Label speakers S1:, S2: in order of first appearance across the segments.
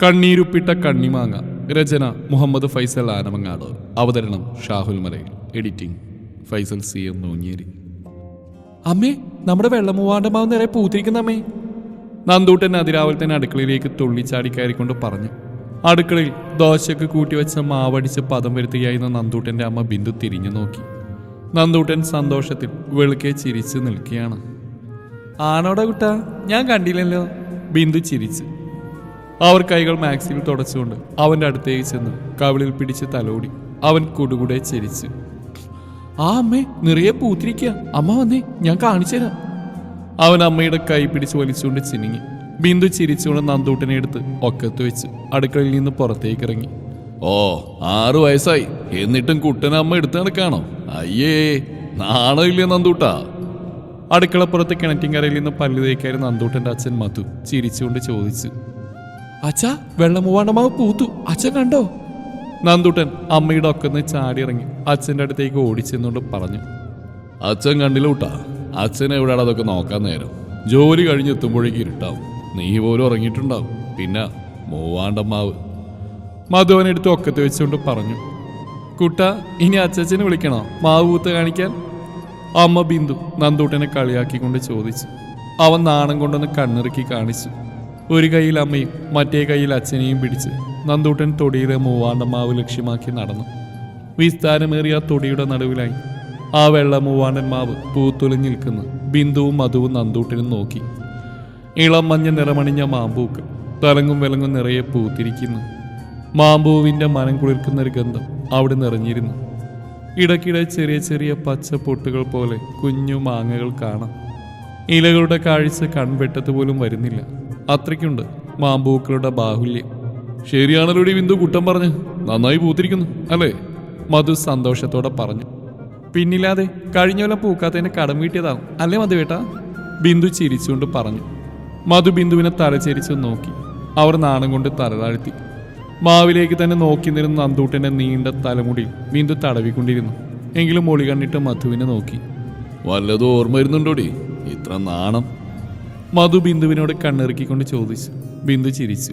S1: കണ്ണീരുപ്പിട്ട കണ്ണിമാങ്ങ. രചന മുഹമ്മദ് ഫൈസൽ ആനമങ്ങാട്. അവതരണം Shahul Malayil. Editing Faisal C M Noonjeri. അമ്മേ, നമ്മുടെ വെള്ളമൂവാണ്ടമാവ് നിറയെ പൂത്തിരിക്കുന്ന അമ്മേ. നന്ദൂട്ടൻ അതിരാവിലെ തന്നെ അടുക്കളയിലേക്ക് തുള്ളിച്ചാടി കയറിക്കൊണ്ട് പറഞ്ഞു. അടുക്കളയിൽ ദോശക്ക് കൂട്ടിവെച്ച മാവടിച്ച് പദം വരുത്തുകയായിരുന്ന നന്ദൂട്ടന്റെ അമ്മ ബിന്ദു തിരിഞ്ഞു നോക്കി. നന്ദൂട്ടൻ സന്തോഷത്തിൽ വെളുക്കെ ചിരിച്ചു നിൽക്കുകയാണ്. ആണോടാ കുട്ടാ, ഞാൻ കണ്ടില്ലല്ലോ. ബിന്ദു ചിരിച്ചു. അവർ കൈകൾ മാക്സിൽ തുടച്ചുകൊണ്ട് അവന്റെ അടുത്തേക്ക് ചെന്ന് കവിളിൽ പിടിച്ച് തലോടി. അവൻ കുടുകുടെ ചിരിച്ചു. ആ അമ്മേ, നിറയെ പൂത്തിരിക്കുക. അമ്മ വന്നേ, ഞാൻ കാണിച്ചു തരാം. അവൻ അമ്മയുടെ കൈ പിടിച്ച് വലിച്ചുകൊണ്ട് ചിനിങ്ങി. ബിന്ദു ചിരിച്ചുകൊണ്ട് നന്ദൂട്ടനെ എടുത്ത് ഒക്കത്ത് വെച്ച് അടുക്കളയിൽ നിന്ന് പുറത്തേക്ക് ഇറങ്ങി. ഓ, 6 വയസ്സായി, എന്നിട്ടും കുട്ടനെ അമ്മ എടുത്ത് നടക്കാണോ? അയ്യേ, നാണമില്ലേ നന്ദൂട്ടാ? അടുക്കളപ്പുറത്ത് കിണറ്റിൻകരയിൽ നിന്ന് പല്ല് തേക്കായിരുന്നു നന്ദൂട്ടന്റെ അച്ഛൻ മധു ചിരിച്ചുകൊണ്ട് ചോദിച്ചു. അച്ഛാ, വെള്ളമൂവാണ്ടമാവ് പൂത്തു, അച്ഛൻ കണ്ടോ? നന്ദൂട്ടൻ അമ്മയുടെ ഒക്കെന്ന് ചാടിയിറങ്ങി അച്ഛൻ്റെ അടുത്തേക്ക് ഓടിച്ചെന്നുകൊണ്ട് പറഞ്ഞു. അച്ഛൻ കണ്ടില്ല കൂട്ടാ, അച്ഛൻ എവിടെയാണ് അതൊക്കെ നോക്കാൻ നേരം? ജോലി കഴിഞ്ഞെത്തുമ്പോഴേക്ക് ഇരുട്ടാവും, നീ പോലും ഉറങ്ങിയിട്ടുണ്ടാവും. പിന്നെ മൂവാണ്ടമാവ്. മധുവനെടുത്ത് ഒക്കത്ത് വെച്ചുകൊണ്ട് പറഞ്ഞു. കുട്ട, ഇനി അച്ഛനെ വിളിക്കണോ മാവ് പൂത്ത് കാണിക്കാൻ? അമ്മ ബിന്ദു നന്ദൂട്ടനെ കളിയാക്കിക്കൊണ്ട് ചോദിച്ചു. അവൻ നാണം കൊണ്ടൊന്ന് കണ്ണിറുക്കി കാണിച്ചു. ഒരു കൈയിൽ അമ്മയും മറ്റേ കൈയിൽ അച്ഛനെയും പിടിച്ച് നന്ദൂട്ടൻ തൊടിയിലെ മൂവാണ്ടമാവ് ലക്ഷ്യമാക്കി നടന്നു. വിസ്താരമേറിയ തൊടിയുടെ നടുവിലായി ആ വെള്ള മൂവാണ്ടൻ മാവ് പൂത്തുലഞ്ഞു നിൽക്കുന്നു. ബിന്ദുവും മധുവും നന്ദൂട്ടനും നോക്കി. ഇളം മഞ്ഞ നിറമണിഞ്ഞ മാമ്പൂക്ക് തലങ്ങും വിലങ്ങും നിറയെ പൂത്തിരിക്കുന്നു. മാമ്പൂവിൻ്റെ മനം കുളിർക്കുന്നൊരു ഗന്ധം അവിടെ നിറഞ്ഞിരുന്നു. ഇടയ്ക്കിടെ ചെറിയ ചെറിയ പച്ച പൊട്ടുകൾ പോലെ കുഞ്ഞു മാങ്ങകൾ കാണാം. ഇലകളുടെ കാഴ്ച കൺവെട്ടത്ത് പോലും വരുന്നില്ല, അത്രയ്ക്കുണ്ട് മാമ്പൂക്കളുടെ ബാഹുല്യം. ശരിയാണല്ലോ ബിന്ദു കുട്ടം പറഞ്ഞ്, നന്നായി പൂത്തിരിക്കുന്നു അല്ലേ? മധു സന്തോഷത്തോടെ പറഞ്ഞു. പിന്നില്ലാതെ, കഴിഞ്ഞ കൊല്ലം പൂക്കാത്തതിന് കടം വീട്ടിയതാവും അല്ലേ മധുവേട്ടാ? ബിന്ദു ചിരിച്ചുകൊണ്ട് പറഞ്ഞു. മധു ബിന്ദുവിനെ തലചരിച്ചു നോക്കി. അവർ നാണം കൊണ്ട് തലതാഴ്ത്തി. മാവിലേക്ക് തന്നെ നോക്കി നിരുന്ന നന്ദൂട്ടന്റെ നീണ്ട തലമുടിയിൽ ബിന്ദു തടവിക്കൊണ്ടിരുന്നു. എങ്കിലും മൊളി കണ്ടിട്ട് മധുവിനെ നോക്കി. വല്ലതും ഓർമ്മ വരുന്നുണ്ടോടി ഇത്ര നാണം? മധു ബിന്ദുവിനോട് കണ്ണിറുക്കിക്കൊണ്ട് ചോദിച്ചു. ബിന്ദു ചിരിച്ചു.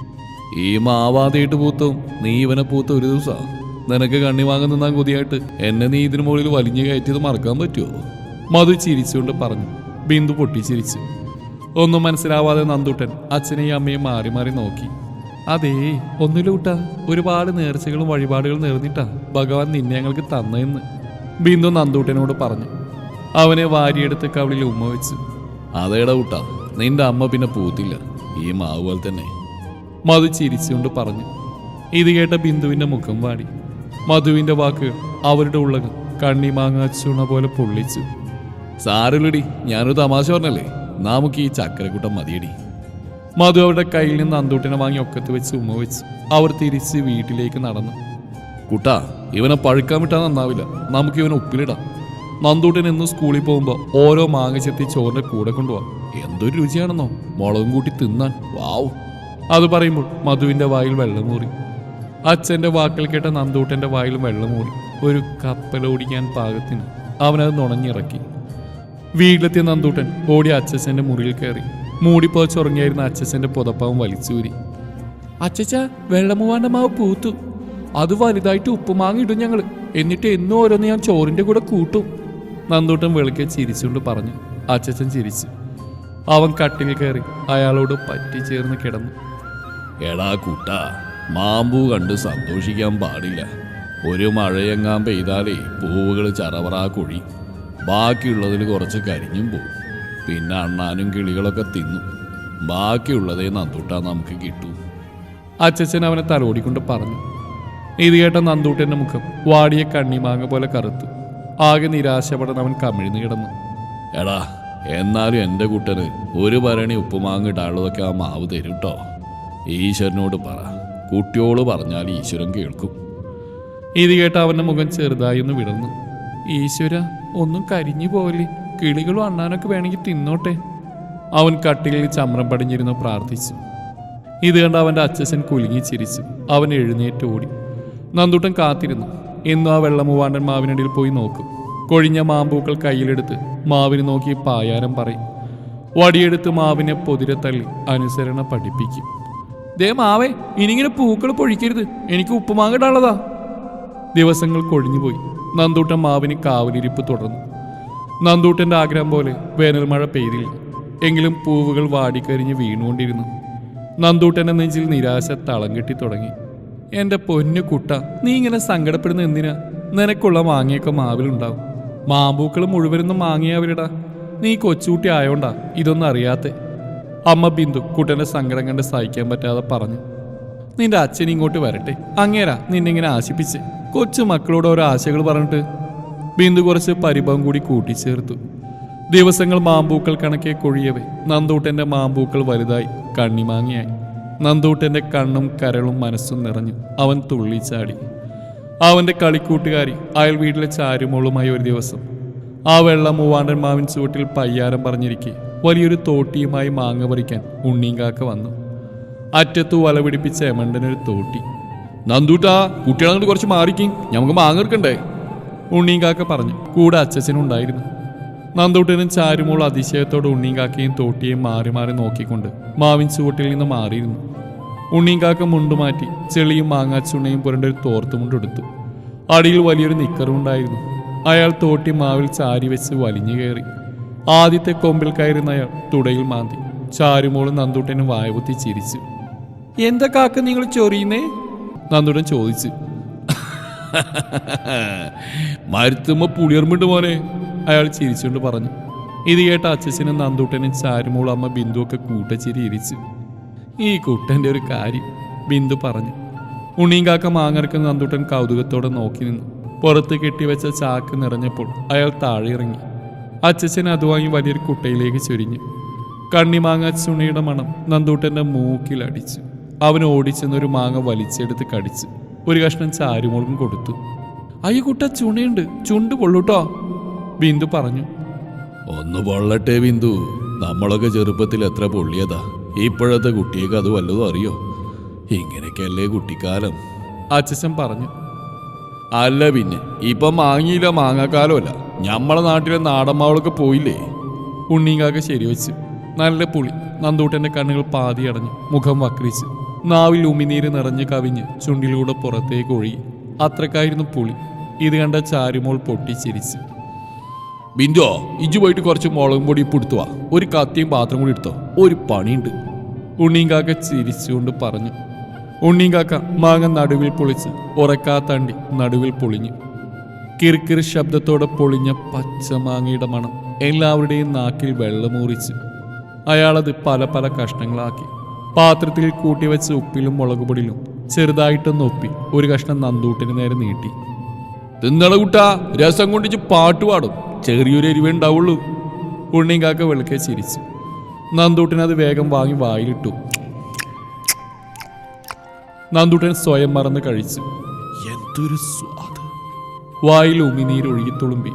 S1: ഈ മാവാതായിട്ട് പൂത്തവും നീ ഇവനെ പൂത്ത ഒരു ദിവസം നിനക്ക് കണ്ണി വാങ്ങാൻ നിന്നാൻ കൊതിയായിട്ട് എന്നെ നീ ഇതിനു മുകളിൽ വലിഞ്ഞു കയറ്റിയത് മറക്കാൻ പറ്റുമോ? മധു ചിരിച്ചുകൊണ്ട് പറഞ്ഞു. ബിന്ദു പൊട്ടിച്ചിരിച്ചു. ഒന്നും മനസ്സിലാവാതെ നന്ദൂട്ടൻ അച്ഛനെയും അമ്മയും മാറി മാറി നോക്കി. അതേ, ഒന്നുമില്ല, ഒരുപാട് നേർച്ചകളും വഴിപാടുകളും നേർന്നിട്ടാ ഭഗവാൻ നിന്നെ ഞങ്ങൾക്ക് തന്നെന്ന് ബിന്ദു നന്ദൂട്ടനോട് പറഞ്ഞു. അവനെ വാരിയെടുത്ത് കവിളിൽ ഉമ്മ വെച്ചു. അതേടാ കൂട്ടാ, നിന്റെ അമ്മ പിന്നെ പൂത്തില്ല, ഈ മാവ് പോലെ തന്നെ. മധു ചിരിച്ചുകൊണ്ട് പറഞ്ഞു. ഇത് കേട്ട ബിന്ദുവിന്റെ മുഖം വാടി. മധുവിന്റെ വാക്കുകൾ അവരുടെ ഉള്ളകം കണ്ണിമാങ്ങ ചുണ പോലെ പൊള്ളിച്ചു. സാരല്ലടി, ഞാനൊരു തമാശ പറഞ്ഞല്ലേ, നമുക്ക് ഈ ചക്കരക്കൂട്ടം മതിയടി. മധു അവരുടെ കയ്യിൽ നിന്ന് നന്ദൂട്ടനെ വാങ്ങി ഒക്കത്ത് വെച്ച് ഉമ്മ വെച്ച് അവർ തിരിച്ച് വീട്ടിലേക്ക് നടന്നു. കുട്ടാ, ഇവനെ പഴുക്കാൻ വിട്ടാൽ നന്നാവില്ല, നമുക്ക് ഇവനെ ഉപ്പിലിടാം. നന്ദൂട്ടൻ എന്നും സ്കൂളിൽ പോകുമ്പോൾ ഓരോ മാങ്ങ ചെത്തി ചോറിന്റെ കൂടെ കൊണ്ടുപോവാം. എന്തൊരു രുചിയാണെന്നോ, മുളകും കൂട്ടി തിന്നാൻ. വാവ്! അത് പറയുമ്പോൾ മധുവിന്റെ വായിൽ വെള്ളമൂറി. അച്ഛന്റെ വാക്കുകൾ കേട്ട നന്ദൂട്ടന്റെ വായിൽ വെള്ളമൂറി. ഒരു കപ്പലോടിക്കാൻ പാകത്തിന് അവനത് നുണഞ്ഞിറക്കി. വീട്ടിലെത്തിയ നന്ദൂട്ടൻ ഓടി അച്ഛന്റെ മുറിയിൽ കയറി. മൂടിപ്പോച്ചുറങ്ങിയായിരുന്ന അച്ഛന്റെ പുതപ്പാവും വലിച്ചൂരി. അച്ഛച്ച, വെള്ളമൂവാണ്ടമാവ് പൂത്തു, അത് വലുതായിട്ട് ഉപ്പുമാങ്ങ ഇടും ഞങ്ങൾ, എന്നിട്ട് എന്നും ഓരോന്ന് ഞാൻ ചോറിന്റെ കൂടെ കൂട്ടും. നന്ദൂട്ടൻ വെളുക്കെ ചിരിച്ചുകൊണ്ട് പറഞ്ഞു. അച്ഛൻ ചിരിച്ചു. അവൻ കട്ടിൽ കയറി അയാളോട് പറ്റിച്ചേർന്ന് കിടന്നു. എടാ കുട്ടാ, മാമ്പൂ കണ്ട് സന്തോഷിക്കാൻ പാടില്ല. ഒരു മഴയെങ്ങാൻ പെയ്താലേ പൂവുകൾ ചറവറാ കൊഴി, ബാക്കിയുള്ളതിൽ കുറച്ച് കരിഞ്ഞും പോവും. പിന്നെ അണ്ണാനും കിളികളൊക്കെ തിന്നും. ബാക്കിയുള്ളതേ നന്ദൂട്ടാ നമുക്ക് കിട്ടൂ. അച്ഛൻ അവനെ തലോടിക്കൊണ്ട് പറഞ്ഞു. ഇത് കേട്ട നന്ദൂട്ടന്റെ മുഖം വാടിയ കണ്ണിമാങ്ങ പോലെ കറുത്തു. ആകെ നിരാശപ്പെടാൻ അവൻ കമിഴ്ന്നു കിടന്നു. എടാ, എന്നാലും എൻ്റെ കുട്ടന് ഒരു ഭരണി ഉപ്പുമാങ്ങ ഇടാനുള്ളതൊക്കെ ആ മാവ് തരും കേട്ടോ. ഈശ്വരനോട് പറ, കുട്ടിയോട് പറഞ്ഞാൽ ഈശ്വരൻ കേൾക്കും. ഇത് കേട്ട അവൻ്റെ മുഖം ചെറുതായി ഒന്ന് വിടർന്നു. ഈശ്വര, ഒന്നും കരിഞ്ഞു പോവല്ലേ, കിളികളും അണ്ണാനൊക്കെ വേണമെങ്കിൽ തിന്നോട്ടെ. അവൻ കട്ടിലിൽ ചമ്രം പടിഞ്ഞിരുന്നു പ്രാർത്ഥിച്ചു. ഇത് കണ്ട് അവൻ്റെ അച്ഛൻ കുലുങ്ങി ചിരിച്ചു. അവൻ എഴുന്നേറ്റ് ഓടി. നന്ദൂട്ടൻ കാത്തിരുന്നു. എന്നും ആ വെള്ളമൂവാണ്ടൻ മാവിനടിയിൽ പോയി നോക്കും. കൊഴിഞ്ഞ മാമ്പൂക്കൾ കയ്യിലെടുത്ത് മാവിന് നോക്കി പായാരം പറയും. വടിയെടുത്ത് മാവിനെ പൊതിരെ തള്ളി അനുസരണ പഠിപ്പിക്കും. ദേ മാവേ, ഇനിങ്ങനെ പൂക്കൾ പൊഴിക്കരുത്, എനിക്ക് ഉപ്പുമാങ്ങ ഇടാനുള്ളതാ. ദിവസങ്ങൾ കൊഴിഞ്ഞുപോയി. നന്ദൂട്ടൻ മാവിന് കാവലിരിപ്പ് തുടർന്നു. നന്ദൂട്ടൻ്റെ ആഗ്രഹം പോലെ വേനൽ മഴ പെയ്തില്ല. എങ്കിലും പൂവുകൾ വാടിക്കരിഞ്ഞ് വീണുകൊണ്ടിരുന്നു. നന്ദൂട്ടൻ്റെ നെഞ്ചിൽ നിരാശ തളം കെട്ടി തുടങ്ങി. എൻ്റെ പൊന്നു കുട്ട, നീ ഇങ്ങനെ സങ്കടപ്പെടുന്ന എന്തിനാ? നിനക്കുള്ള മാങ്ങയൊക്കെ മാവിലുണ്ടാവും. മാമ്പൂക്കൾ മുഴുവനൊന്നും മാങ്ങിയവരിടാ. നീ കൊച്ചുകുട്ടി ആയോണ്ടാ ഇതൊന്നും അറിയാത്തെ. അമ്മ ബിന്ദു കുട്ടൻ്റെ സങ്കടം കണ്ട് സഹിക്കാൻ പറ്റാതെ പറഞ്ഞു. നിന്റെ അച്ഛൻ ഇങ്ങോട്ട് വരട്ടെ, അങ്ങേരാ നിന്നിങ്ങനെ ആശിപ്പിച്ച്. കൊച്ചു മക്കളോട് ഓരോ ആശകൾ പറഞ്ഞിട്ട്. ബിന്ദു കുറച്ച് പരിഭവം കൂടി കൂട്ടിച്ചേർത്തു. ദിവസങ്ങൾ മാമ്പൂക്കൾ കണക്കെ കൊഴിയവേ നന്ദൂട്ടൻ്റെ മാമ്പൂക്കൾ വലുതായി കണ്ണിമാങ്ങിയായി. നന്ദൂട്ടൻ്റെ കണ്ണും കരളും മനസ്സും നിറഞ്ഞു. അവൻ തുള്ളിച്ചാടി. അവൻ്റെ കളിക്കൂട്ടുകാരി അയൽ വീട്ടിലെ ചാരുമോളുമായി ഒരു ദിവസം ആ വെള്ള മൂവാണ്ടൻ മാവിൻ ചുവട്ടിൽ പയ്യാരം പറഞ്ഞിരിക്കെ വലിയൊരു തോട്ടിയുമായി മാങ്ങ പറിക്കാൻ ഉണ്ണീങ്കാക്ക വന്നു. അറ്റത്തു വല പിടിപ്പിച്ച എമണ്ടനൊരു തോട്ടി. നന്ദൂട്ടാ, കുട്ടികളെ കുറച്ച് മാറിക്കും, നമുക്ക് മാങ്ങ എടുക്കണ്ടേ? ഉണ്ണീങ്കാക്ക പറഞ്ഞു. കൂടെ അച്ഛനുണ്ടായിരുന്നു. നന്ദൂട്ടനും ചാരുമോൾ അതിശയത്തോടെ ഉണ്ണീങ്കാക്കയും തോട്ടിയെയും മാറി മാറി നോക്കിക്കൊണ്ട് മാവിൻ ചുവട്ടിൽ നിന്ന് മാറിയിരുന്നു. ഉണ്ണീങ്കാക്ക മുണ്ടുമാറ്റി ചെളിയും മാങ്ങാച്ചുണ്ണയും പുരണ്ടൊരു തോർത്തുമുണ്ടെടുത്തു. അടിയിൽ വലിയൊരു നിക്കറും ഉണ്ടായിരുന്നു. അയാൾ തോട്ടി മാവിൽ ചാരി വെച്ച് വലിഞ്ഞു കയറി. ആദ്യത്തെ കൊമ്പിൽ കയറുന്ന അയാൾ തുടയിൽ മാന്തി. ചാരുമോളും നന്ദൂട്ടനും വായപൊത്തി ചിരിച്ചു. എന്താ കാക്ക നിങ്ങൾ ചൊറിയുന്നേ? നന്ദൂട്ടൻ ചോദിച്ചു. മരുത്തുമ്പോ പുളിയർമിണ്ട് മോനെ, അയാൾ ചിരിച്ചുകൊണ്ട് പറഞ്ഞു. ഇത് കേട്ട അച്ഛനും നന്ദൂട്ടനും ചാരുമോളും അമ്മ ബിന്ദുവൊക്കെ കൂട്ടച്ചിരി ഇരിച്ചു. ഈ കുട്ടൻ്റെ ഒരു കാര്യം, ബിന്ദു പറഞ്ഞു. ഉണ്ണീങ്കാക്ക മാങ്ങറക്കുന്ന നന്ദൂട്ടൻ കൗതുകത്തോടെ നോക്കി നിന്നു. പുറത്ത് കെട്ടിവെച്ച ചാക്ക് നിറഞ്ഞപ്പോൾ അയാൾ താഴെ ഇറങ്ങി. അച്ഛൻ അത് വാങ്ങി വലിയൊരു കുട്ടയിലേക്ക് ചൊരിഞ്ഞു. കണ്ണിമാങ്ങ ചുണിയുടെ മണം നന്ദൂട്ടൻ്റെ മൂക്കിലടിച്ചു. അവൻ ഓടിച്ചെന്നൊരു മാങ്ങ വലിച്ചെടുത്ത് കടിച്ചു. ഒരു കഷ്ണം ചാരുമോൾക്കും കൊടുത്തു. അയ്യ കുട്ട, ചുണയുണ്ട്, ചുണ്ട് പൊള്ളൂട്ടോ, ബിന്ദു പറഞ്ഞു.
S2: ഒന്ന് പൊള്ളട്ടെ ബിന്ദു, നമ്മളൊക്കെ ചെറുപ്പത്തിൽ എത്ര പൊള്ളിയതാ. ഇപ്പോഴത്തെ കുട്ടിയൊക്കെ അത് വല്ലതും അറിയോ? ഇങ്ങനെയൊക്കെയല്ലേ കുട്ടിക്കാലം,
S1: അച്ഛൻ പറഞ്ഞു.
S2: അല്ല പിന്നെ ഇപ്പം മാങ്ങിയില്ല, മാങ്ങാക്കാലമല്ല. ഞമ്മളെ നാട്ടിലെ നാടൻ മാവളൊക്കെ പോയില്ലേ?
S1: ഉണ്ണീങ്കാക്ക ശരിവെച്ചു. നല്ല പുളി. നന്ദൂട്ടൻ്റെ കണ്ണുകൾ പാതി അടഞ്ഞു. മുഖം വക്രിച്ചു. നാവിൽ ഉമിനീര് നിറഞ്ഞ് കവിഞ്ഞ് ചുണ്ടിലൂടെ പുറത്തേക്ക് ഒഴുകി. അത്രക്കായിരുന്നു പുളി. ഇത് കണ്ട ചാരുമോൾ പൊട്ടിച്ചിരിച്ചു.
S2: ബിന്ദു, ഇജ്ജു പോയിട്ട് കുറച്ച് മുളകും പൊടി ഇപ്പെടുത്തുവാ. ഒരു കത്തിയും പാത്രം കൂടി എടുത്തോ, ഒരു പണിയുണ്ട്.
S1: ഉണ്ണീങ്കാക്ക ചിരിച്ചുകൊണ്ട് പറഞ്ഞു. ഉണ്ണീങ്കാക്ക മാങ്ങ നടുവിൽ പൊളിച്ച് ഉറക്കാത്തണ്ടി നടുവിൽ പൊളിഞ്ഞു. കിറുകിറ് ശബ്ദത്തോടെ പൊളിഞ്ഞ പച്ചമാങ്ങയുടെ മണം എല്ലാവരുടെയും നാക്കിൽ വെള്ളമൂറിച്ചു. അയാളത് പല പല കഷ്ണങ്ങളാക്കി പാത്രത്തിൽ കൂട്ടിവെച്ച് ഉപ്പിലും മുളകുപൊടിയിലും ചെറുതായിട്ടൊന്ന് ഒപ്പി ഒരു കഷ്ണം നന്ദൂട്ടിന് നേരെ നീട്ടി.
S2: തിന്നള കുട്ടാ, രസം കൊണ്ടിച്ച് പാട്ട് പാടും, ചെറിയൊരു എരിവേ ഉണ്ടാവുള്ളൂ.
S1: ഉണ്ണീങ്കാക്ക വെളുക്കെ ചിരിച്ചു. നന്ദൂട്ടനത് വേഗം വാങ്ങി വായിലിട്ടു. നന്ദൂട്ടൻ സ്വയം മറന്ന് കഴിച്ചു.
S2: എന്തൊരു സ്വാദ്!
S1: വായിൽ ഉമിനീരൊഴുകി തുളുമ്പി.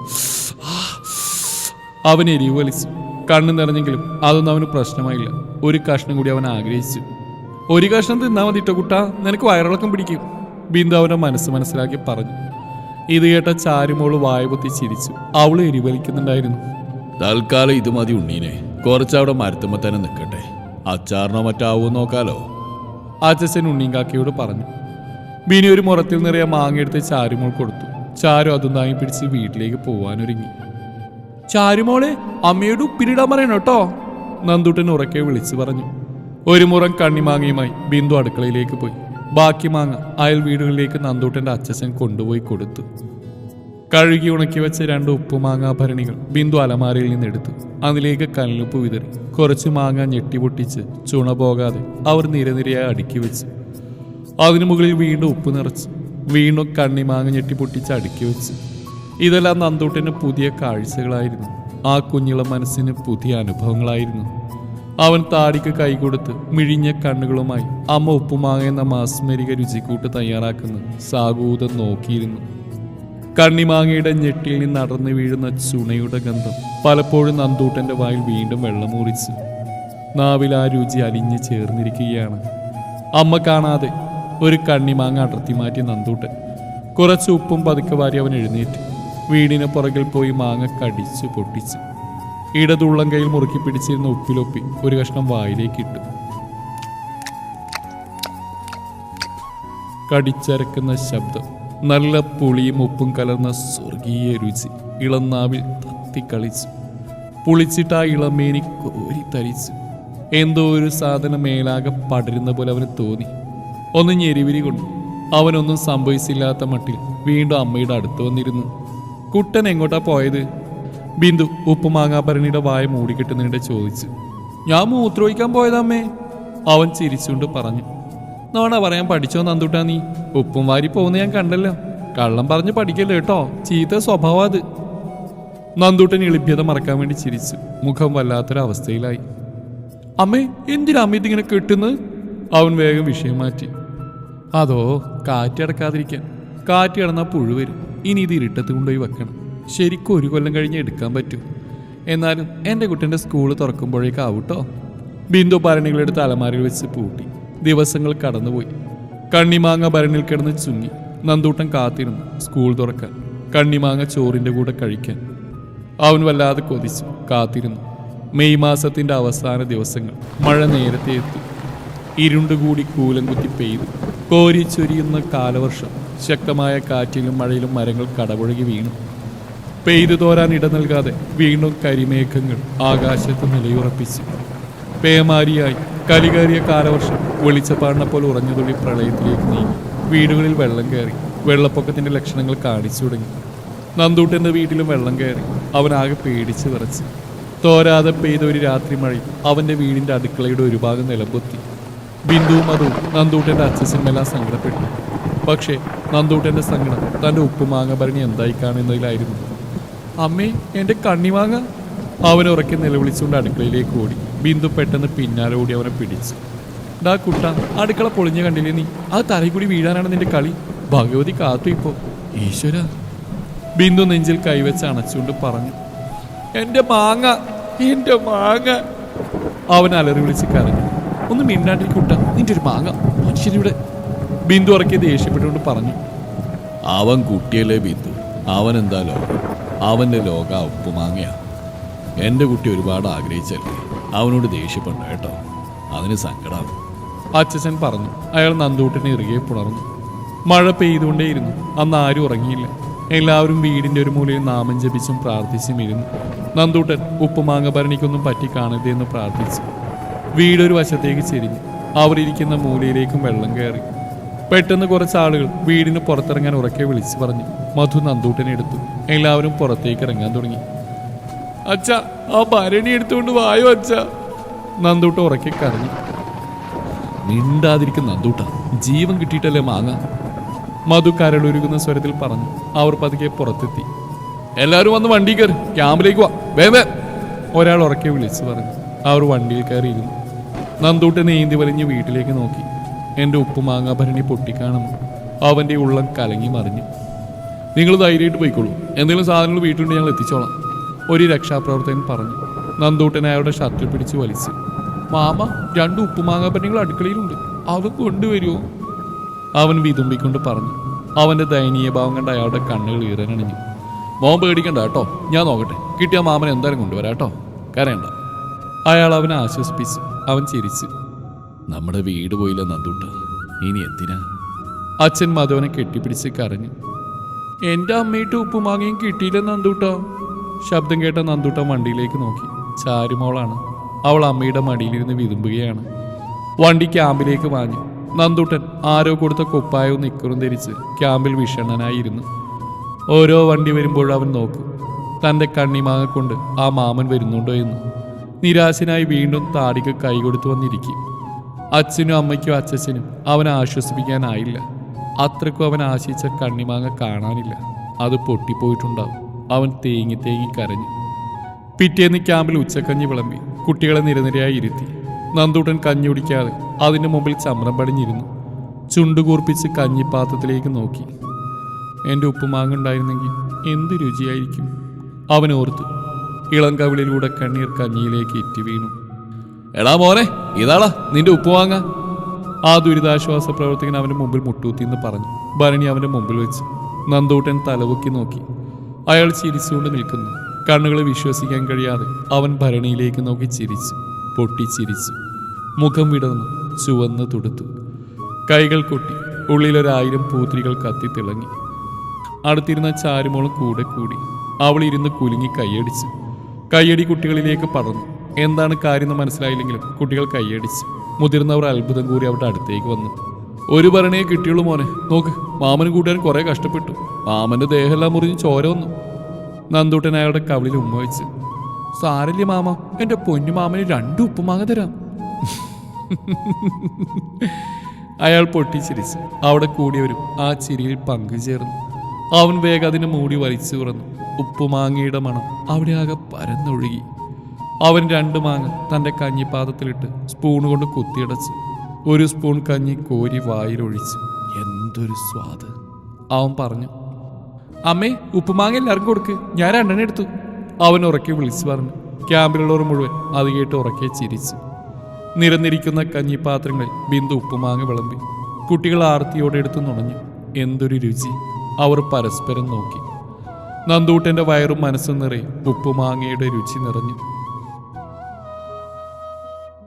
S1: അവൻ എരിവ് വലിച്ചു. കണ്ണു നിറഞ്ഞെങ്കിലും അതൊന്നും അവന് പ്രശ്നമായില്ല. ഒരു കഷ്ണം കൂടി അവൻ ആഗ്രഹിച്ചു. ഒരു കഷ്ണം തിന്നാ മതിട്ടോ കുട്ടാ, നിനക്ക് വയറിളക്കം പിടിക്കും, ബിന്ദു അവൻ്റെ മനസ്സ് മനസ്സിലാക്കി പറഞ്ഞു. ഇത് കേട്ട ചാരുമോള് വായപൊത്തി ചിരിച്ചു. അവള് എരിവലിക്കുന്നുണ്ടായിരുന്നു.
S2: തൽക്കാലം ഇത് മതി ഉണ്ണീനെ, കുറച്ചവിടെ മരത്തുമ്പോ തന്നെ നിൽക്കട്ടെ. അച്ചാറിനോ മറ്റാവോ നോക്കാലോ,
S1: അച്ഛൻ ഉണ്ണീങ്കാക്കയോട് പറഞ്ഞു. ബിനി ഒരു മുറത്തിൽ നിറയെ മാങ്ങയെടുത്ത് ചാരുമോൾ കൊടുത്തു. ചാരു അതും താങ്ങി പിടിച്ച് വീട്ടിലേക്ക് പോവാനൊരുങ്ങി. ചാരുമോളെ, അമ്മയോട് ഉപ്പിലിടാൻ പറയണം കേട്ടോ, നന്ദൂട്ടൻ ഉറക്കെ വിളിച്ചു പറഞ്ഞു. ഒരു മുറം കണ്ണിമാങ്ങയുമായി ബിന്ദു അടുക്കളയിലേക്ക് പോയി. ബാക്കി മാങ്ങ അയൽ വീടുകളിലേക്ക് നന്ദൂട്ടൻ്റെ അച്ഛൻ കൊണ്ടുപോയി കൊടുത്തു. കഴുകി ഉണക്കി വെച്ച 2 ഉപ്പുമാങ്ങാഭരണികൾ ബിന്ദു അലമാരയിൽ നിന്നെടുത്തു. അതിലേക്ക് കല്ലുപ്പ് വിതറി. കുറച്ച് മാങ്ങ ഞെട്ടിപൊട്ടിച്ച് ചുണ പോകാതെ അവർ നിരനിരയായി അടുക്കി വെച്ചു. അതിനു മുകളിൽ വീണ്ടും ഉപ്പ് നിറച്ചു. വീണ്ടും കണ്ണിമാങ്ങ ഞെട്ടിപ്പൊട്ടിച്ച് അടുക്കി വെച്ചു. ഇതെല്ലാം നന്ദൂട്ടന് പുതിയ കാഴ്ചകളായിരുന്നു. ആ കുഞ്ഞിളം മനസ്സിന് പുതിയ അനുഭവങ്ങളായിരുന്നു. അവൻ താടിക്ക് കൈകൊടുത്ത് മിഴിഞ്ഞ കണ്ണുകളുമായി അമ്മ ഉപ്പുമാങ്ങ എന്ന മാസ്മരിക രുചിക്കൂട്ട് തയ്യാറാക്കുന്ന സാഗൂതം നോക്കിയിരുന്നു. കണ്ണിമാങ്ങയുടെ ഞെട്ടിൽ നിന്ന് അടർന്നു വീഴുന്ന ചുണയുടെ ഗന്ധം പലപ്പോഴും നന്ദൂട്ടൻ്റെ വായിൽ വീണ്ടും വെള്ളമൂറിച്ചു. നാവിൽ ആ രുചി അലിഞ്ഞു ചേർന്നിരിക്കുകയാണ്. അമ്മ കാണാതെ ഒരു കണ്ണിമാങ്ങ അടർത്തി മാറ്റി നന്ദൂട്ടൻ. കുറച്ച് ഉപ്പും പതുക്കെ വാരി അവൻ എഴുന്നേറ്റ് വീടിന് പുറകിൽ പോയി മാങ്ങ കടിച്ചു പൊട്ടിച്ചു. ഇടതുള്ളം കൈയിൽ മുറുക്കി പിടിച്ചിരുന്ന ഉപ്പിലൊപ്പി ഒരു കഷ്ണം വായിലേക്ക് ഇട്ടു. കടിച്ചരക്കുന്ന ശബ്ദം, നല്ല പുളിയും ഉപ്പും കലർന്ന സ്വർഗീയ രുചി ഇളനാവിൽ തത്തിക്കളിച്ചു. പുളിച്ചിട്ട് ആ ഇളമേനി കോരിത്തരിച്ചു. എന്തോ ഒരു സാധനം മേലാകെ പടരുന്ന പോലെ അവന് തോന്നി. ഒന്ന് ഞെരിവിരി കൊണ്ടു. അവനൊന്നും സംഭവിച്ചില്ലാത്ത മട്ടിൽ വീണ്ടും അമ്മയുടെ അടുത്ത് വന്നിരുന്നു. കുട്ടൻ എങ്ങോട്ടാ പോയത്? ബിന്ദു ഉപ്പുമാങ്ങാഭരണിയുടെ വായ മൂടിക്കെട്ടുന്നതിനിടെ ചോദിച്ചു. ഞാൻ മൂത്രമൊഴിക്കാൻ പോയതമ്മേ, അവൻ ചിരിച്ചുകൊണ്ട് പറഞ്ഞു. നോണ പറയാൻ പഠിച്ചോ നന്ദൂട്ടാ നീ? ഉപ്പും വാരി പോകുന്ന ഞാൻ കണ്ടല്ലോ. കള്ളം പറഞ്ഞ് പഠിക്കല്ലോ കേട്ടോ, ചീത്ത സ്വഭാവം അത്. നന്ദൂട്ടൻ എളിഭ്യത മറക്കാൻ വേണ്ടി ചിരിച്ചു. മുഖം വല്ലാത്തൊരവസ്ഥയിലായി. അമ്മേ, എന്തിനാ അമ്മ ഇതിങ്ങനെ കെട്ടുന്നത്? അവൻ വേഗം വിഷയം മാറ്റി. അതോ, കാറ്റടക്കാതിരിക്കാൻ. കാറ്റ് കിടന്നാൽ പുഴു വരും. ഇനി ഇത് ഇരുട്ടത്ത് കൊണ്ടുപോയി വെക്കണം. ശരിക്കും 1 കൊല്ലം കഴിഞ്ഞ് എടുക്കാൻ പറ്റൂ. എന്നാലും എൻ്റെ കുട്ടൻ്റെ സ്കൂൾ തുറക്കുമ്പോഴേക്കാവൂട്ടോ. ബിന്ദു ഭരണികളെടുത്ത് അലമാരയിൽ വെച്ച് പൂട്ടി. ദിവസങ്ങൾ കടന്നുപോയി. കണ്ണിമാങ്ങ ഭരണിയിൽ കിടന്ന് ചുങ്ങി. നന്ദൂട്ടൻ കാത്തിരുന്നു സ്കൂൾ തുറക്കാൻ, കണ്ണിമാങ്ങ ചോറിൻ്റെ കൂടെ കഴിക്കാൻ. അവൻ വല്ലാതെ കൊതിച്ചു, കാത്തിരുന്നു. മെയ് മാസത്തിൻ്റെ അവസാന ദിവസങ്ങൾ. മഴ നേരത്തെ എത്തി. ഇരുണ്ടുകൂടി കൂലം കുത്തി പെയ്തു. കോരിച്ചൊരിയുന്ന കാലവർഷം. ശക്തമായ കാറ്റിലും മഴയിലും മരങ്ങൾ കടപുഴകി വീണു. പെയ്തു തോരാൻ ഇട നൽകാതെ വീണ്ടും കരിമേഘങ്ങൾ ആകാശത്ത് നിലയുറപ്പിച്ചു. പേമാരിയായി കലികേറിയ കാലവർഷം വെളിച്ചപ്പാടിനെ പോലെ ഉറഞ്ഞുതുള്ളി പ്രളയത്തിലേക്ക് നീങ്ങി. വീടുകളിൽ വെള്ളം കയറി. വെള്ളപ്പൊക്കത്തിന്റെ ലക്ഷണങ്ങൾ കാണിച്ചു തുടങ്ങി. നന്ദൂട്ടന്റെ വീട്ടിലും വെള്ളം കയറി. അവനാകെ പേടിച്ച് വിറച്ച്. തോരാതെ പെയ്ത ഒരു രാത്രി മഴയിൽ അവന്റെ വീടിന്റെ അടുക്കളയുടെ ഒരു ഭാഗം നിലംപൊത്തി. ബിന്ദുവും അതും നന്ദൂട്ടന്റെ അച്ഛനെല്ലാം സങ്കടപ്പെട്ടു. പക്ഷേ നന്ദൂട്ടന്റെ സങ്കടം തന്റെ ഉപ്പുമാങ്ങ ഭരണി എന്തായി കാണുന്നതിലായിരുന്നു. അമ്മേ, എന്റെ കണ്ണിമാങ്ങ! അവൻ ഉറക്കെ നിലവിളിച്ചുകൊണ്ട് അടുക്കളയിലേക്ക് ഓടി. ബിന്ദു പെട്ടെന്ന് പിന്നാലെ ഓടി അവനെ പിടിച്ചു. ഡാ കുട്ട, അടുക്കള പൊളിഞ്ഞ കണ്ടില്ലേ നീ? അത് തലയിൽ കൂടി വീഴാനാണ് നിന്റെ കളി. ഭഗവതി കാത്തു ഇപ്പോ. ഈശ്വര! ബിന്ദു നെഞ്ചിൽ കൈവച്ച് അണച്ചുകൊണ്ട് പറഞ്ഞു. എന്റെ മാങ്ങ, എന്റെ മാങ്ങ! അവൻ അലറി വിളിച്ച് കരഞ്ഞു. ഒന്ന് മിണ്ടാണ്ടിരിക്കുട്ട, നിന്റെ ഒരു മാങ്ങ മനുഷ്യനിവിടെ! ബിന്ദു ഉറക്കെ ദേഷ്യപ്പെട്ടുകൊണ്ട് പറഞ്ഞു.
S2: അവൻ കുട്ടിയല്ലേ ബിന്ദു, അവൻ എന്താ ലോകം? അവൻ്റെ ലോക ഉപ്പുമാങ്ങയാ. എൻ്റെ കുട്ടി ഒരുപാട് ആഗ്രഹിച്ചല്ലേ, അവനോട് ദേഷ്യപ്പെട്ടു കേട്ടോ, അതിന് സങ്കടാവും.
S1: അച്ഛൻ പറഞ്ഞു. അയാൾ നന്ദൂട്ടനെ ഇറുകെ പുണർന്നു. മഴ പെയ്തുകൊണ്ടേയിരുന്നു. അന്ന് ആരും ഉറങ്ങിയില്ല. എല്ലാവരും വീടിന്റെ ഒരു മൂലയിൽ നാമം ജപിച്ചും പ്രാർത്ഥിച്ചും ഇരുന്നു. നന്ദൂട്ടൻ ഉപ്പുമാങ്ങ ഭരണിക്കൊന്നും പറ്റി കാണരുതേ എന്ന് പ്രാർത്ഥിച്ചു. വീടൊരു വശത്തേക്ക് ചെരിഞ്ഞു. അവർ ഇരിക്കുന്ന മൂലയിലേക്കും വെള്ളം കയറി. പെട്ടെന്ന് കുറച്ച് ആളുകൾ വീടിന് പുറത്തിറങ്ങാൻ ഉറക്കെ വിളിച്ചു പറഞ്ഞു. മധു നന്ദൂട്ടനെ എടുത്തു. എല്ലാവരും പുറത്തേക്ക് ഇറങ്ങാൻ തുടങ്ങി. അച്ഛ, ആ ഭരണി എടുത്തുകൊണ്ട് വായോ അച്ഛ! നന്ദൂട്ട ഉറക്കെ കരഞ്ഞു.
S2: മിണ്ടാതിരിക്കുന്ന നന്ദൂട്ട, ജീവൻ കിട്ടിയിട്ടല്ലേ മാങ്ങ!
S1: മധു കരളൊരുകുന്ന സ്വരത്തിൽ പറഞ്ഞു. അവർ പതുക്കെ പുറത്തെത്തി. എല്ലാവരും വന്ന് വണ്ടി കയറി, ക്യാമ്പിലേക്ക് വാ, വേവേ! ഒരാൾ ഉറക്കെ വിളിച്ചു പറഞ്ഞു. അവർ വണ്ടിയിൽ കയറിയിരുന്നു. നന്ദൂട്ടൻ നീന്തി വലിഞ്ഞ് വീട്ടിലേക്ക് നോക്കി. എൻ്റെ ഉപ്പുമാങ്ങ ഭരണി പൊട്ടിക്കാണും. അവൻ്റെ ഉള്ളം കലങ്ങി മറിഞ്ഞു. നിങ്ങൾ ധൈര്യമായിട്ട് പോയിക്കോളൂ, എന്തെങ്കിലും സാധനങ്ങൾ വീട്ടിലുണ്ട്, ഞങ്ങൾ എത്തിച്ചോളാം, ഒരു രക്ഷാപ്രവർത്തകൻ പറഞ്ഞു. നന്ദൂട്ടൻ അയാളുടെ ഷർട്ടിൽ പിടിച്ച് വലിച്ചു. മാമ, 2 ഉപ്പുമാങ്ങ ഭരണികൾ അടുക്കളയിലുണ്ട്, അവ കൊണ്ടുവരുമോ? അവൻ വിതുമ്പിക്കൊണ്ട് പറഞ്ഞു. അവൻ്റെ ദയനീയ ഭാവം കണ്ട് അയാളുടെ കണ്ണുകൾ ഈറനണിഞ്ഞു. മോൻ പേടിക്കണ്ട കേട്ടോ, ഞാൻ നോക്കട്ടെ, കിട്ടിയ മാമൻ എന്തായാലും കൊണ്ടുവരാം കേട്ടോ, കരയണ്ട. അയാൾ അവനെ ആശ്വസിപ്പിച്ചു. അവൻ ചിരിച്ചു.
S2: നമ്മുടെ വീട് പോയില്ല നന്ദൂട്ട, ഇനി എന്തിനാ?
S1: അച്ഛൻ മധുവിനെ കെട്ടിപ്പിടിച്ച് കരഞ്ഞു. എൻ്റെ അമ്മയിട്ട് ഉപ്പുമാങ്ങയും കിട്ടിയില്ല നന്ദൂട്ട. ശബ്ദം കേട്ട നന്ദൂട്ട വണ്ടിയിലേക്ക് നോക്കി. ചാരുമോളാണ്. അവൾ അമ്മയുടെ മടിയിലിരുന്ന് വിതുമ്പുകയാണ്. വണ്ടി ക്യാമ്പിലേക്ക് വാങ്ങി. നന്ദൂട്ടൻ ആരോ കൊടുത്ത കുപ്പായവും നിക്കറും ധരിച്ച് ക്യാമ്പിൽ വിഷണ്ണനായിരുന്നു. ഓരോ വണ്ടി വരുമ്പോഴും അവൻ നോക്കും, തൻ്റെ കണ്ണിമാങ്ങ കൊണ്ട് ആ മാമൻ വരുന്നുണ്ടോ എന്ന്. നിരാശനായി വീണ്ടും താടിക്ക് കൈകൊടുത്തു വന്നിരിക്കും. അച്ഛനും അമ്മയ്ക്കും അച്ഛനും അവനെ ആശ്വസിപ്പിക്കാനായില്ല. അത്രയ്ക്കും അവൻ ആശിച്ച കണ്ണിമാങ്ങ കാണാനില്ല. അത് പൊട്ടിപ്പോയിട്ടുണ്ടാവും. അവൻ തേങ്ങി തേങ്ങി കരഞ്ഞു. പിറ്റേന്ന് ക്യാമ്പിൽ ഉച്ചക്കഞ്ഞി വിളമ്പി കുട്ടികളെ നിരനിരയായി ഇരുത്തി. നന്ദൂട്ടൻ കഞ്ഞി കുടിക്കാതെ അതിൻ്റെ മുമ്പിൽ ചമ്രം പടിഞ്ഞിരുന്നു. ചുണ്ടുകൂർപ്പിച്ച് കഞ്ഞിപ്പാത്രത്തിലേക്ക് നോക്കി. എൻ്റെ ഉപ്പുമാങ്ങ ഉണ്ടായിരുന്നെങ്കിൽ എന്ത് രുചിയായിരിക്കും അവൻ ഓർത്തു. ഇളം കവിളിലൂടെ കണ്ണീർ കഞ്ഞിയിലേക്ക് ഇറ്റി വീണു. എടാ മോനെ, ഇതാടാ നിന്റെ ഉപ്പുമാങ്ങ! ആ ദുരിതാശ്വാസ പ്രവർത്തകൻ അവൻ്റെ മുമ്പിൽ മുട്ടൂത്തിന്ന് പറഞ്ഞു. ഭരണി അവൻ്റെ മുമ്പിൽ വെച്ച്. നന്ദൂട്ടൻ തലപൊക്കി നോക്കി. അയാൾ ചിരിച്ചുകൊണ്ട് നിൽക്കുന്നു. കണ്ണുകൾ വിശ്വസിക്കാൻ കഴിയാതെ അവൻ ഭരണിയിലേക്ക് നോക്കി ചിരിച്ചു. പൊട്ടിച്ചിരിച്ചു. മുഖം വിടർന്നു ചുവന്ന് തുടുത്തു. കൈകൾ കൊട്ടി ഉള്ളിലൊരായിരം പൂത്തിരികൾ കത്തിത്തിളങ്ങി. അടുത്തിരുന്ന ചാരുമോളും കൂടെ കൂടി. അവൾ ഇരുന്ന് കുലുങ്ങി കൈയടിച്ചു. കൈയടി കുട്ടികളിലേക്ക് പടർന്നു. എന്താണ് കാര്യമെന്ന് മനസ്സിലായില്ലെങ്കിലും കുട്ടികൾ കൈയടിച്ചു. മുതിർന്നവർ അത്ഭുതം കൂടി അവരുടെ അടുത്തേക്ക് വന്നു. ഒരു ഭരണിയെ കിട്ടിയുള്ളൂ മോനെ, നോക്ക്, മാമനും കൂട്ടുകാരൻ കുറെ കഷ്ടപ്പെട്ടു. മാമന്റെ ദേഹമെല്ലാം മുറിഞ്ഞ് ചോര വന്നു. നന്ദൂട്ടൻ അയാളുടെ കവിളിൽ ഉമ്മ വെച്ച്. സാരല്ലേ മാമ, എന്റെ പൊന്നു മാമന് 2 ഉപ്പുമാങ്ങ തരാം. അയാൾ പൊട്ടിച്ചിരിച്ചു. അവിടെ കൂടിയവരും ആ ചിരിയിൽ പങ്കുചേർന്നു. അവൻ വേഗം അതിനെ മൂടി വലിച്ചു തുറന്നു. ഉപ്പുമാങ്ങയുടെ മണം അവിടെ ആകെ പരന്നൊഴുകി. അവൻ 2 മാങ്ങ തൻ്റെ കഞ്ഞിപ്പാത്രത്തിലിട്ട് സ്പൂൺ കൊണ്ട് കുത്തിയടച്ചു. ഒരു സ്പൂൺ കഞ്ഞി കോരി വായിലൊഴിച്ചു. എന്തൊരു സ്വാദ്! അവൻ പറഞ്ഞു. അമ്മേ, ഉപ്പുമാങ്ങ എല്ലാവർക്കും കൊടുക്ക്, ഞാൻ 2 എടുത്തു. അവൻ ഉറക്കെ വിളിച്ചു പറഞ്ഞു. ക്യാമ്പിലുള്ളവർ മുഴുവൻ അത് കേട്ട് ഉറക്കെ ചിരിച്ചു. നിരന്നിരിക്കുന്ന കഞ്ഞിപ്പാത്രങ്ങളിൽ ബിന്ദു ഉപ്പുമാങ്ങ വിളമ്പി. കുട്ടികൾ ആർത്തിയോടെ എടുത്ത് നുണഞ്ഞു. എന്തൊരു രുചി! അവർ പരസ്പരം നോക്കി. നന്ദൂട്ടൻ്റെ വയറും മനസ്സും നിറയെ ഉപ്പുമാങ്ങയുടെ രുചി നിറഞ്ഞു.